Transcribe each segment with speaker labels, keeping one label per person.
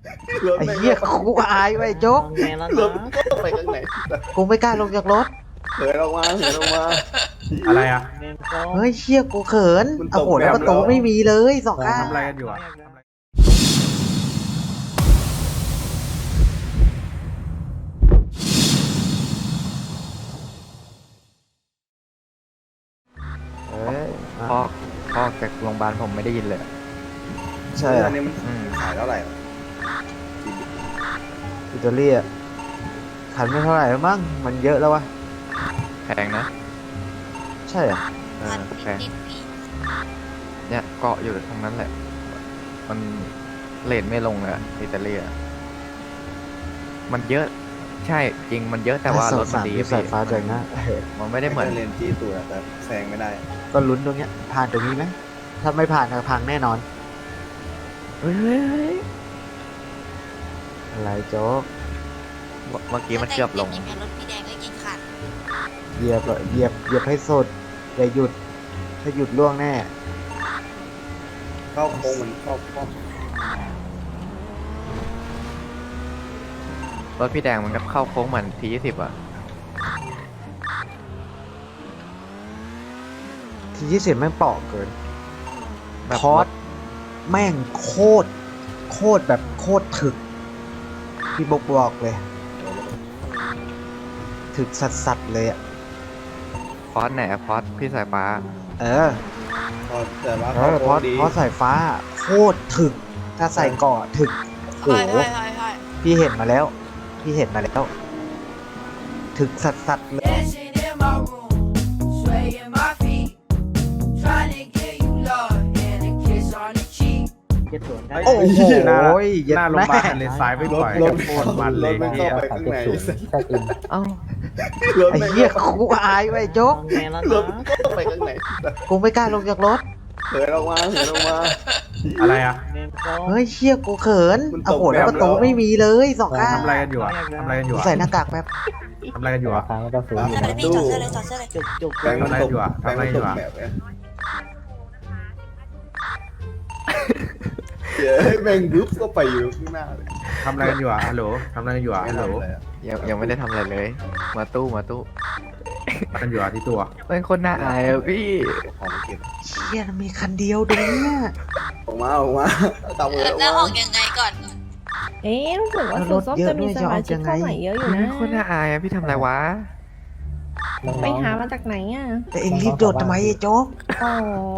Speaker 1: ไอ้เหี้ยกูอายไว้โจ๊ก
Speaker 2: รถก็ไปข้างไหน
Speaker 1: กูไม่กล้าลงจากรถ
Speaker 2: เหินออกมาเหินออกมา
Speaker 3: อะไรอ่ะ
Speaker 1: เฮ้ยเชี่ยกูเขิน
Speaker 2: มันตก
Speaker 1: โอ้โหแล้วประตู
Speaker 2: แบบแล้ว
Speaker 1: ไม่มีเลยสองข้าง
Speaker 3: ทำอะไรกันอยู่อ่ะ
Speaker 4: เอ้ยพ่อจากโรงพยาบาลผมไม่ได้ยินเลย
Speaker 1: ใช่
Speaker 2: อันนี้มันขายเท่าไหร่
Speaker 1: อิตาลีอ่ะขันไม่เท่าไหร่แล้วมั้งมันเยอะแล้ววะ
Speaker 4: แพงนะ
Speaker 1: ใช่เหรอ
Speaker 4: แพงเนี่ยเกาะอยู่ตรงนั้นแหละ มันเลทไม่ลงเลยอะอิตาลีอะมันเยอะใช่จริงมันเยอะแต่ว่ารถมันดี
Speaker 1: สายฟ้าใจนะ
Speaker 4: มันไม่ได้เหมือน
Speaker 2: เลนที่ตัวแต่แซงไม่ได้
Speaker 1: ก็ลุ้นตรงเนี้ยผ่านตรงนี้ไหมถ้าไม่ผ่านก็พังแน่นอน
Speaker 4: เฮ้ย
Speaker 1: อะไรโจ๊ก
Speaker 4: เมื่อกี้มันเกือบลง
Speaker 5: รถพี่แดงก็ยิงขาด
Speaker 1: เหยียบอะเหยียบให้สุดอย่าหยุดถ้าหยุดล่วงแน่
Speaker 2: เข้าโค้งมันเข้าร
Speaker 4: ถพี่แดงมันก็เข้าโค้งเหมือนT20อ่ะ
Speaker 1: ที20แม่งเปาะเกิน
Speaker 4: แบบ
Speaker 1: คอร์สแม่งโคตรแบบโคตรถึกพี่บอกเลย ถึกสัสๆเลยอ่ะ
Speaker 4: พอสไหนอะพอสพี่สายฟ้า
Speaker 1: เออ
Speaker 2: พอแต่ว่า
Speaker 1: เพ
Speaker 2: เข้าโค้
Speaker 1: ราะ
Speaker 2: งดี
Speaker 1: เพราะสายฟ้าโคตรถึก ถ้าใส่เกาะถึกโห
Speaker 5: ใช่
Speaker 1: พี่เห็นมาแล้ว ถึกสัสๆเลย
Speaker 6: Dancing in my room, swaying my feet, trying to get you love and a kiss on the cheek.
Speaker 1: โอ้โห
Speaker 3: หน้า
Speaker 1: เย็ด
Speaker 3: หน้าโรงพยาบาล
Speaker 1: แม่
Speaker 3: ทะเลทรายไม่
Speaker 2: ร
Speaker 3: ป
Speaker 2: ถ
Speaker 3: ล่อย
Speaker 2: ร
Speaker 3: กั
Speaker 2: ถ
Speaker 3: บโคตรมันเลย
Speaker 2: รถมัน
Speaker 3: เฮี
Speaker 2: เข้าย ไปข้างใน
Speaker 4: เอ้า
Speaker 2: รถ
Speaker 1: ไอ้
Speaker 2: มัน
Speaker 1: เหี้ยกูอายไว้โจ๊ก
Speaker 2: รถก็ไปข้างไหน
Speaker 1: กูไม่กล้าลงจากรถ
Speaker 2: เหินออกมาเหินออกมา
Speaker 3: อะไรอ่ะ
Speaker 1: เฮ้ยเชี่ยกูเขิน
Speaker 2: มันตก
Speaker 1: โอ้โหแล้ว
Speaker 2: แบบ
Speaker 1: ประตู
Speaker 2: แล้ว
Speaker 1: ไม่มีเลยสองข้าง
Speaker 3: ทำอะไรกันอยู่อ่ะทำอะไรกันอยู่
Speaker 1: กู
Speaker 3: อ่ะ
Speaker 1: ใส่หน้ากากแป๊บ
Speaker 3: ทำอะไรกันอยู่อ่ะ
Speaker 5: ใช่พี่จอดเสื้อเลยจอดเสื้อเลย
Speaker 2: แบงค์มันตกแบงค์มันตกแบบเนี้ยเฮ้ยแบงค์บึ๊บก็ไปอยู่ข้างหน้าเลย
Speaker 3: ทำอะไรกันอยู่อ่ะฮัลโหลทำอะไรกันอยู่อ่ะ
Speaker 2: ไม่
Speaker 3: ฮัลโหล
Speaker 2: ทำอะไรอะ
Speaker 4: ยังไม่ได้ทำอะไรเลย มาตู้
Speaker 3: ทำกันอยู่อ่ะที่ตัว
Speaker 4: เป็นคนน่าอายอะพี่
Speaker 2: ของเก็บ
Speaker 1: เชี่ยมันมีคันเดียวตรงเนี้ย
Speaker 2: ออกมาตามมือออก
Speaker 5: แล้วอ
Speaker 2: มา
Speaker 5: อกยังไงก่อน
Speaker 7: เอ๊ะรู้สึกว่าสูตรส้มจะมีสมาชิกเข้าใหม่เยอะอยู่นะ
Speaker 4: เป็นคนน่าอายอะพี่ทำอะไรวะ
Speaker 7: ไปหามาจากไหนอ่ะ
Speaker 1: แต่เอ็งรีบโดดทำไมไอ้โจ๊ก
Speaker 7: อ๋อ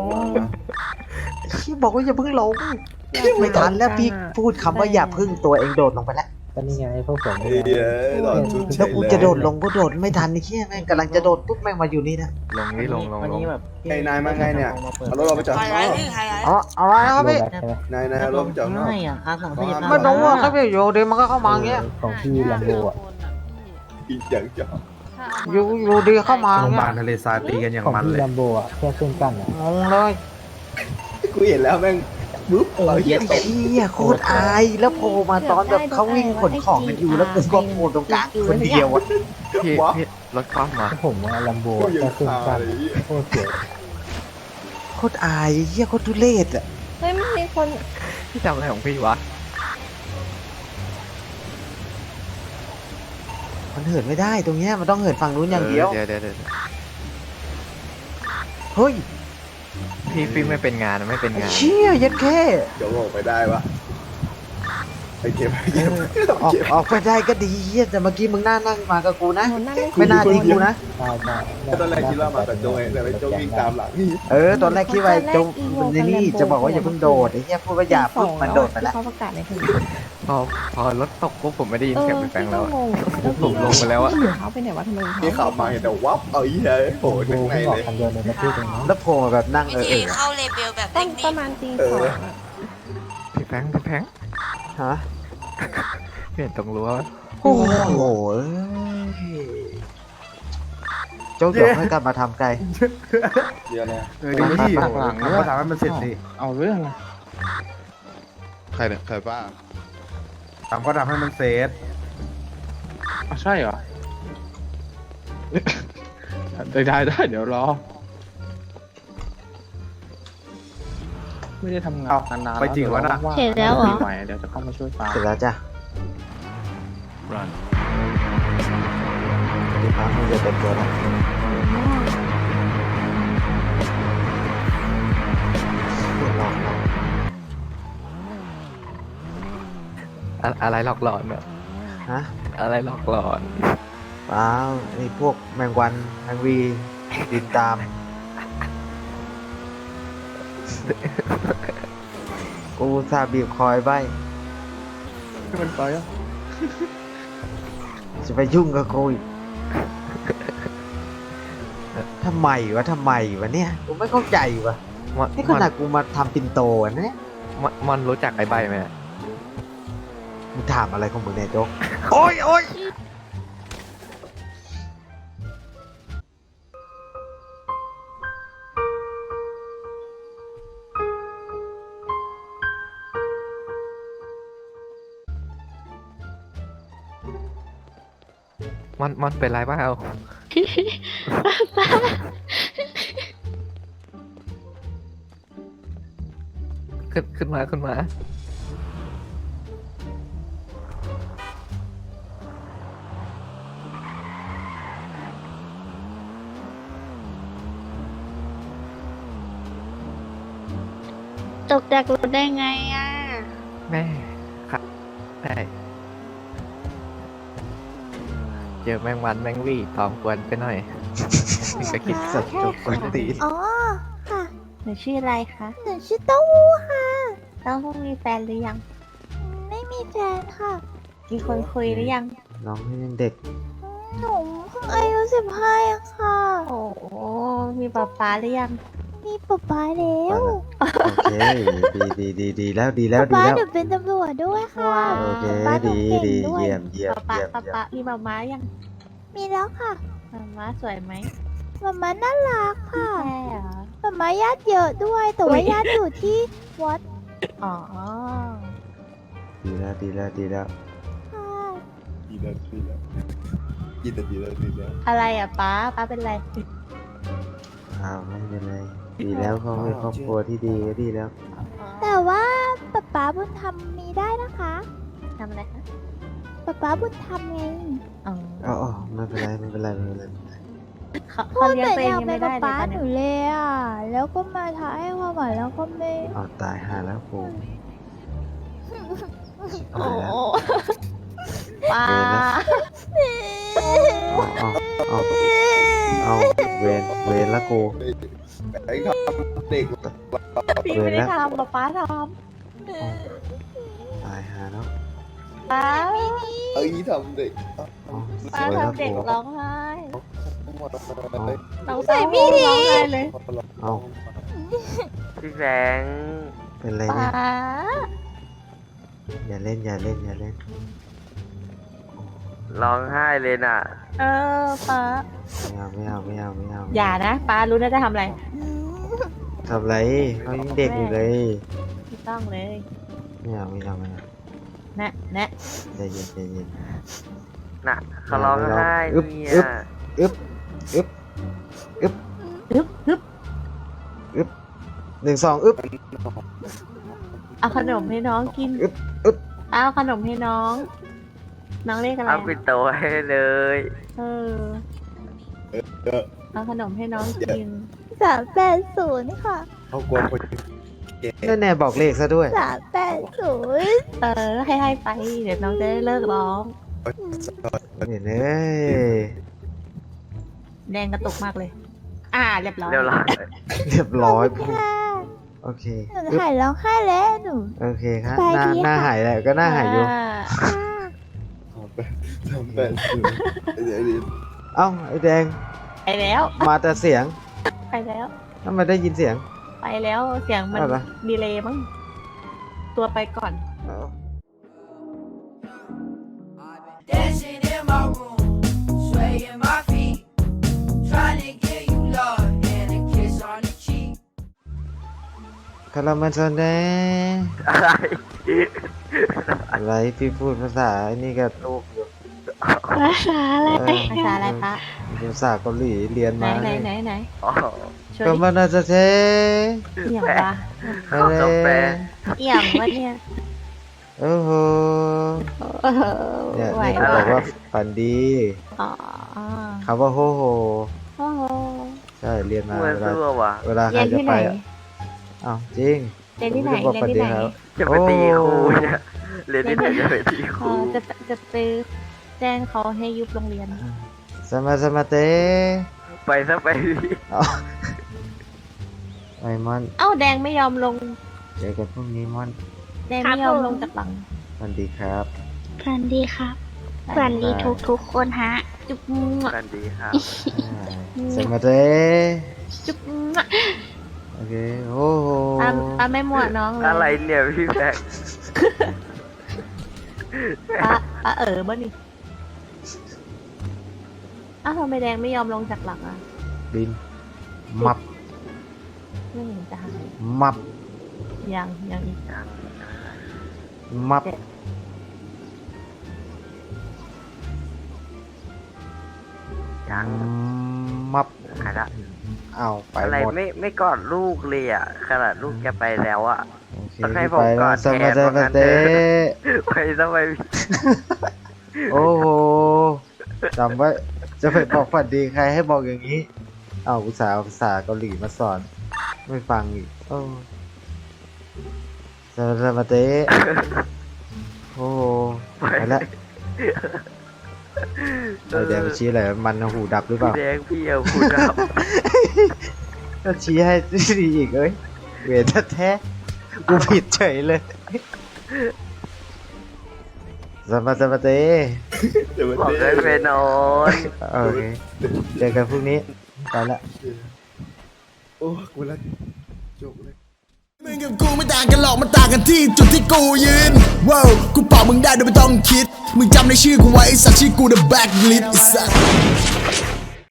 Speaker 1: เชี่ยบอกว่าอย่าเพิ่งลงไม่ทันแล้วพี่พูดคำว่าอย่าพึ่งตัวเองโดดลงไปแล้ว
Speaker 8: ก็นี่ไงพวกผม
Speaker 2: เฮ้ยหลอดชุดเฉ
Speaker 1: แล้ว
Speaker 2: ย
Speaker 1: กูจะโดดลงก็โดดไม่ทันไอ้เชี่ยแม่งกำลังจะโดดปุ๊บแม่งมาอยู่นี่นะ
Speaker 4: ลงนี่ลง
Speaker 2: ไอ้นายมาไงเนี่ยเอารถเราไปจอด
Speaker 5: ไฮ
Speaker 2: ข้างนอก
Speaker 5: ไลท์พี่ไฮไลท์
Speaker 1: อ๋อเอาไว้ครับพี่
Speaker 8: ใช่ไหม
Speaker 2: นายเอารถไปจอดข้างนอก
Speaker 1: ไม่รู้ว่าครับพี่อยู่ดีมันก็เข้ามาอย่างเงี้ย
Speaker 8: ของพี่ลัมโบอ่ะ
Speaker 2: อีกอย่างจอด
Speaker 1: อยู่ดีเข้ามา
Speaker 3: โรงพยาบาล
Speaker 1: เงี้ย
Speaker 3: ทะเลทรายตีกันอย่าง
Speaker 8: ของ
Speaker 3: มัน
Speaker 8: พี่
Speaker 3: เลย
Speaker 8: ลัมโบอ่ะแค่เครื่องกั้นอ่ะ
Speaker 1: งงเลย
Speaker 2: กูเห็นแล้วแม่งบึ๊บเราเหี้ยต
Speaker 1: ไอ้
Speaker 2: ก
Speaker 1: เชี่ยโคตรอายแล้วโผล่มาตอนแบบเขาวิ่งขนของกันอยู่แล้วกูก็โผล่ตรงกลางคนเดียวอะ
Speaker 4: พี่รถคว่ำมา
Speaker 8: ผมว่าลัมโบ
Speaker 2: กูยัง
Speaker 8: แค่เครื่อง
Speaker 2: คา
Speaker 8: กั้น
Speaker 2: เลย
Speaker 8: โคตรเจ๋ง
Speaker 1: โคตรอายเชี่ยโคตรทุเรศอะ
Speaker 7: เฮ้ยมันมีคน
Speaker 4: พี่ทำอะไรของพี่วะ
Speaker 1: มันเหินไม่ได้ตรงเนี้ยมันต้องเหินฝั่งนู้นอย่างเดียว
Speaker 4: เดี๋ยว
Speaker 1: เฮ้ย
Speaker 4: พี่ไม่เป็นงานไม่เป็นงาน
Speaker 1: เชี่ยยัดแค่
Speaker 2: เดี๋ยวออกไปได้ปะไปเก็บไปเก็บ
Speaker 1: ออกไปได้ก็ดีเหี้ยแต่เมื่อกี้มึงน่านั่งมากับกูนะ
Speaker 7: คนนั่งเล่น
Speaker 1: ไม่น่าทิ้งกูนะ
Speaker 8: ใช่ใช่
Speaker 2: ตอนแรกคิดว่ามาแต่โจงแต่ไปโจงวิ่งตามหลังนี่
Speaker 1: ตอนแรกคิดว่าจะในนี่จะบอกว่าอย่าเพิ่งโดดไอ้เหี้ยพูดว่าอย่าปุ๊บมันโดดไปแล้ว
Speaker 7: เขาประกาศในที
Speaker 4: พอรถตกปุ๊บผมไม่ได้ยินเสียงพี่แฟงแล้วอะ
Speaker 7: พี่
Speaker 4: ผมลงไปแล้วอะ
Speaker 7: เขาไปไหนวะทำไม
Speaker 2: นี่ขับมาเห็นแต่วับเอาอีเฮ้ยโผล่
Speaker 8: ลัมโบ
Speaker 2: ข้างใน
Speaker 8: เพิ่งออ
Speaker 2: เล
Speaker 8: ก
Speaker 2: ย
Speaker 8: คันเดียวในประเทศเองนะ
Speaker 1: แล้วโผล่มาแบบนั่ง
Speaker 5: วิธีเข้าเลเบลแบบ
Speaker 7: ต้
Speaker 5: เท
Speaker 7: อง
Speaker 5: คนิ
Speaker 7: ประ
Speaker 5: ค
Speaker 7: มาณตีสองอะ
Speaker 4: พี่แฟง
Speaker 1: ฮะ
Speaker 4: เห็นตรงรั้ว
Speaker 1: โอ้โหโจ๊กหยอกให้กลับมาทำไกล
Speaker 2: เดี๋ยวนะ
Speaker 3: ดีที่ทำภาษาให้มันเสร็จสิ
Speaker 9: เอาเรื่องนะ
Speaker 2: ใครเนี่ยใครป้า
Speaker 3: ทำก็ทำให้มันเสร็จ
Speaker 9: ใช่เหรอ ได้เดี๋ยวรอไม่ได้ทำงาน
Speaker 3: เอ้า
Speaker 9: นานๆ
Speaker 3: ไปจริงวะน่ะ
Speaker 9: ว่างๆ
Speaker 7: เสร็จแล้วเหรอ
Speaker 9: ไหวเดี๋ยวจะเข้ามาช่วยป้า
Speaker 1: เสร็จแล้วจ้ะดีครับมึงจะเต็มตัวแล้วหลอก
Speaker 4: อะไรหลอกหลอนเนี่ย
Speaker 1: ฮะ
Speaker 4: อะไรหลอกหลอน
Speaker 1: เปล่านี่พวกแมงวันแมงวีบินตาม กูอุตสาห์บีบคอยใบ
Speaker 9: ให้มันไปอ่ะ
Speaker 1: จะไปยุ่งกับกูอีกทำไมวะเนี่ยกูไม่เข้าใจวะ
Speaker 4: มอน
Speaker 1: นี่ขนาดกูมาทำปินโตอะเนี่ย
Speaker 4: มอนรู้จักไอ้ใบไหม
Speaker 1: มึงถามอะไรของมึงเนี่ยโจ๊ก โอ้ย
Speaker 4: มอนเป็นไรบ้างเอาขึ้นมา
Speaker 7: ตกจากรถได้ไงอ่ะ
Speaker 4: แม่ครับได้เจอแมงวันแมงวี่ตอมกวนไปหน่อยนี่ก็คิด
Speaker 1: สัตว์โจ๊กคนตีน
Speaker 7: อ๋อ ค่ะ หนูชื่ออะไรคะ หนูชื่อเต้าหู้ค่ะ เต้าหู้มีแฟนหรือยัง ไม่มีแฟนค่ะ มีคนคุยหรือยัง
Speaker 1: น้องยังเด็ก
Speaker 7: หนูเพิ่งอายุ15อะค่ะ โอ้โหมีป๊าป๊าหรือยัง มีป๊าป๊าแล้ว
Speaker 1: โอเคดีแล้วดีแล้ว
Speaker 7: ป๊าหนูเป็นตำรวจด้วยค่ะ
Speaker 1: โอเค
Speaker 7: ป๊าหนู
Speaker 1: ดี
Speaker 7: เก่งด้วย
Speaker 1: เยี่ยม
Speaker 7: ป๊ามีป๊าม้ายัง มีแล้วค่ะป๊าม้าสวยไหมป๊าม้าน่ารักค่ะใช่เหรอป๊าม้าญาติเยอะด้วย แต่ว่าญาติอยู่ที่วัด อ๋อ
Speaker 1: ดีแล้ว
Speaker 7: ค่ะ
Speaker 2: ดีแล้วดีแล้ว
Speaker 7: อะไรอ่ะป๊าเป็นไร
Speaker 1: อ้าวไม่เป็นไรดีแล้วเขาเป็นครอบครัวที่ดีก็ดีแล้ว
Speaker 7: แต่ว่าป๊าบุญธรรมมีได้นะคะทำอะไรคะป๊าบุญธรรมไง
Speaker 1: อ๋อไม่เป็นไร
Speaker 7: เขาเลี้ยงตัวเองยังไม่ได้เลยป๊าหนูเลยอ่ะ แล้วก็มาท้าให้ความหวานแล้วก็ไม่
Speaker 1: เอาตายหาแล้วกู
Speaker 7: โอ้ป๊า
Speaker 1: เอาเวนละกู
Speaker 2: ไอ้ครับเด็ก
Speaker 7: พี่ไม่ได้ทำป๊าท
Speaker 1: ตายหาแล้ว
Speaker 7: ำป๊า
Speaker 2: เอ้ยทำเด็ก
Speaker 7: ป๊าทำเด็กร้องไห้
Speaker 2: เอา
Speaker 7: น้องใส่ไม่ดีร้องไห้เลย
Speaker 1: เอา
Speaker 4: พี่แสง
Speaker 1: เป็นไร
Speaker 7: ป๊า
Speaker 1: เนี่ยอย่าเล่น
Speaker 4: ร้องไห้เลยน่ะ
Speaker 7: ป๊า
Speaker 1: ไม่เอา
Speaker 7: อย่านะป๊ารู้นะจะทำอะไร
Speaker 1: ทำไรเขายังเด็กอยู่เลย
Speaker 7: ไม่ต้องเลย
Speaker 1: ไม่เอา
Speaker 7: นะ
Speaker 1: ใจเย็น
Speaker 4: น่ะเขาร้องไห้
Speaker 1: อึ๊บ
Speaker 4: เนี่ย
Speaker 1: อึ๊บ
Speaker 7: ฮึบ
Speaker 1: 1 2อึ๊บ
Speaker 7: เอาขนมให้น้องกิน
Speaker 1: อึ๊บ
Speaker 7: เอาขนมให้น้อง น้องเรียกอะไร
Speaker 4: เอาปิดโตให้เลย
Speaker 7: เอาขนมให้น้องกิน380ค่ะ
Speaker 2: เขากลัวคน
Speaker 1: แน่บอกเลขซะด้วย
Speaker 7: 380ให้ไป เดี๋ยวน้องจะได้เลิกร้อง
Speaker 1: เนี่ยเอ้ย
Speaker 7: แดงกระตุกมากเลย เรียบร้อย
Speaker 4: เร็วร้อย
Speaker 1: เรียบร้อยปุ๊บโอเค
Speaker 7: หนูหายร้องไห้แล้วหนู
Speaker 1: โอเคครับ
Speaker 7: ไปดี
Speaker 1: หน้า
Speaker 7: ค่ะ
Speaker 1: หายแล้วก็หน้าหายอยู่
Speaker 2: ทำแบบเดี๋ยว
Speaker 1: เอ้าไอ้แดง
Speaker 7: ไปแล้ว
Speaker 1: มาแต่เสียง
Speaker 7: ไปแล้ว
Speaker 1: ทำไมได้ยินเสียง
Speaker 7: ไปแล้วเสียงมัน
Speaker 1: อะไร
Speaker 7: ดีเลย์มั้งตัวไปก่อน
Speaker 1: เอ้า
Speaker 6: Dancing in my room, swaying my feet, trying to get you love and a kiss on the cheek.
Speaker 1: คาราเมลซันเด
Speaker 4: อะไร
Speaker 1: อะไรพี่พูดภาษาไอ้นี่กับลูกอยู่
Speaker 7: ภาษาอะไร ภาษาอะไรปะ
Speaker 1: ภาษาเกาหลีเรียน
Speaker 7: ไหน
Speaker 1: มา
Speaker 7: ไหน
Speaker 4: อ๋อ
Speaker 7: โชช่วย
Speaker 1: ก็
Speaker 7: ดิ
Speaker 1: มันน่าจะเท
Speaker 7: เอี่ยงวะ
Speaker 1: อะไร
Speaker 7: เอี่ยงวะเนี่ย
Speaker 1: โอ้โห
Speaker 7: เออ
Speaker 1: เนี่ย
Speaker 7: ไหว
Speaker 1: นี่เขาบอกว่าฝันดี
Speaker 7: อ๋อ
Speaker 1: คำว่าโฮโฮ
Speaker 7: โอ้โห
Speaker 1: ใช่เรียนมา
Speaker 4: เมื่อ
Speaker 1: เวลา
Speaker 4: เสื้อว่ะ
Speaker 1: เวลาใค
Speaker 7: เรี
Speaker 1: ร
Speaker 7: ยน
Speaker 1: จะ
Speaker 7: ที่
Speaker 1: ไป
Speaker 7: ไหน
Speaker 1: อ่ะอ้าวจริง
Speaker 7: เรียนที่ไหน
Speaker 1: ผมจะบอก
Speaker 7: เรียนที่ไหน
Speaker 1: ฝัดีครับ
Speaker 4: จะไปตีครูเนี่ยเรียนที่ไหนจะไปตีค
Speaker 7: เอ
Speaker 4: รู
Speaker 7: อจะไปแจ้งเขาให้ยุบโรงเรียน
Speaker 1: สมาเต
Speaker 4: ไปซะไป
Speaker 1: เอาไอ้มอน
Speaker 7: เอ้าแดงไม่ยอมลง
Speaker 1: เจอกันพรุ่งนี้มอน
Speaker 7: แดงไม่ยอมลงจากหลัง
Speaker 1: สวัสดีครับ
Speaker 7: ฝันดีครับฝันดีทุกคนฮะ จุ๊บ
Speaker 4: กันดีครับ
Speaker 1: สมาเต
Speaker 7: จุ๊บ
Speaker 1: โอเคโอ้โห
Speaker 7: ป้าไม่หมวดน้องเลย
Speaker 4: อะไรเนี่ยพี่แบงค์
Speaker 7: ป้าบ้านี่อ้าวทำไมแดงไม่ยอมลงจากหลังอ่ะ
Speaker 1: บินมับ
Speaker 7: ไม่เห็นจะหาย
Speaker 1: มับ
Speaker 7: ยังอีก
Speaker 1: มับ
Speaker 4: ยัง
Speaker 1: มับ
Speaker 4: หายละ
Speaker 1: เอาไป
Speaker 4: อะไร
Speaker 1: หมด
Speaker 4: ไม่กอดลูกเลยอ่ะขนาดลูกจะไปแล้วอ่ะ
Speaker 1: โอเค
Speaker 4: ต้องให้
Speaker 1: พี่
Speaker 4: ผม
Speaker 1: ไป
Speaker 4: ก่
Speaker 1: แล้
Speaker 4: อ
Speaker 1: วน ส
Speaker 4: แท
Speaker 1: มาน
Speaker 4: ว่างั้น
Speaker 1: เต
Speaker 4: เถอะ ไปซะไป
Speaker 1: โอ้โหจำไว้จะไปบอกฝันดีใครให้บอกอย่างนี้ เอาภาษาเกาหลีมาสอน ไม่ฟังอีกโอ้สมาเตโอ้โหไปแล้วไอแดงชี้อะไรมันหูดับหรือเปล่า
Speaker 4: พี่แดงพี่เอาคุณครับ
Speaker 1: ก็ชี้ให้ดีอีกเอ้ยเวรแท้ๆกูผิดเฉยเลยสมาเต
Speaker 2: เดี๋ยวมัน
Speaker 4: บอกให้ไปนอน
Speaker 1: โอเคเจอกันพรุ่งนี้ไปละ
Speaker 2: โอ้กูละจบเลย
Speaker 10: มึงกับกูไม่ต่างกันหรอกมันต่างกันที่จุดที่กูยืนว้าวกูเป่ามึงได้โดยไม่ต้องคิด มึงจำในชื่อกูไว้ไอ้สัตว์ชื่อกู The Blacklist ไอ้สัตว์